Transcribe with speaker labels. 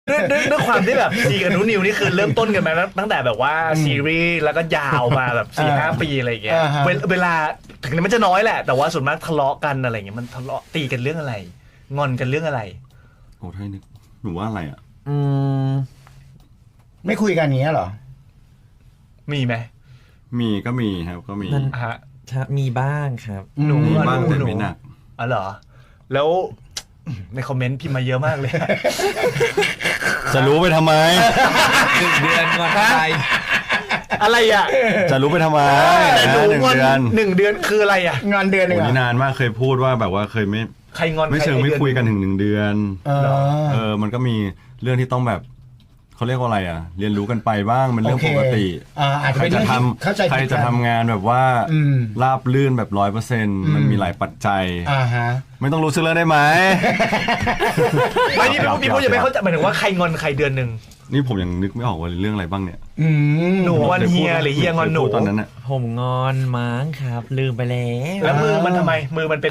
Speaker 1: ด้วยความที่แบบซีกับนุนิวนี่คือเริ่มต้นกันมาตั้งแต่แบบว่าซีรีส์แล้วก็ยาวมาแบบ4-5 ปีอะไรอย่างเงี้ยเวลาถึงมันจะน้อยแหละแต่ว่าส่วนมากทะเลาะกันอะไรอย่างเงี้ยมันทะเลาะตีกันเรื่องอะไรงอนกันเรื่องอะไร
Speaker 2: โอ้ถ้านึกหนูว่าอะไรอ่ะ
Speaker 3: ไม่คุยกันอย่างเงี้ยเหรอ
Speaker 1: มีไหม
Speaker 2: มีก็มีครับก็มี
Speaker 4: นั่น
Speaker 1: ฮะ
Speaker 4: ครับมีบ้างครับ
Speaker 1: หนู
Speaker 2: มี
Speaker 1: อะ
Speaker 2: บ้าง
Speaker 1: หนู
Speaker 2: แต่
Speaker 1: หนู
Speaker 2: ไม่หนัก
Speaker 1: อ๋อเหรอแล้วในคอมเมนต์พิมพ์มาเยอะมากเลย
Speaker 2: จะรู้ไปทำไม
Speaker 4: 1 เดือนงอนใคร
Speaker 1: อะไรอ่ะ
Speaker 2: จะรู้ไปทำไม
Speaker 1: แต่หนู
Speaker 2: 1
Speaker 1: งอน
Speaker 2: เดือน
Speaker 1: 1 เดือนคืออะไรอ่ะ
Speaker 3: งอนเดือนหนึ่
Speaker 2: โอ้
Speaker 3: ง
Speaker 2: นี่
Speaker 3: อ่ะ
Speaker 2: นานมากเคยพูดว่าแบบว่าเคยไม่
Speaker 1: ใครงอน
Speaker 2: ไม่เชิง
Speaker 1: ใร
Speaker 2: ไม่
Speaker 1: ดือ
Speaker 2: คุยกันถึง1 เดือน
Speaker 3: เออ
Speaker 2: มันก็มีเรื่องที่ต้องแบบเขาเรียกว่าอะไรอ่ะ เรียนรู้กันไปบ้างเป็นเรื่อง
Speaker 3: โอเค
Speaker 2: ปกติ
Speaker 3: อาจจะ
Speaker 2: ใคร
Speaker 3: เป็น
Speaker 2: จะ
Speaker 3: เรื่อง
Speaker 2: ท
Speaker 3: ที่เข้าใจ
Speaker 2: ำใคร
Speaker 3: ผิด
Speaker 2: จะ
Speaker 3: กัน
Speaker 2: ทำงานแบบว่า
Speaker 3: อืม
Speaker 2: ราบลื่นแบบ100%มันมีหลายปัจจัย
Speaker 3: ฮะ
Speaker 2: ไม่ต้องรู้สึกเรื่องได้ไหม
Speaker 1: ไม่นี่พี่พูดยังไม่เข้าใจหมายถึงว่าใครงอนใครเดือนหนึ่ง
Speaker 2: นี่ผมยังนึกไม่ออกว่าเรื่องอะไรบ้างเนี่ย
Speaker 1: หนูงอนเฮียหรือเฮียงอนหนู
Speaker 2: เคยพูดตอนนั้นน่ะ
Speaker 4: ผมงอนมั้งครับ ลืมไปแล้ว
Speaker 1: แล้วมือมันทำไมมือมันเป็น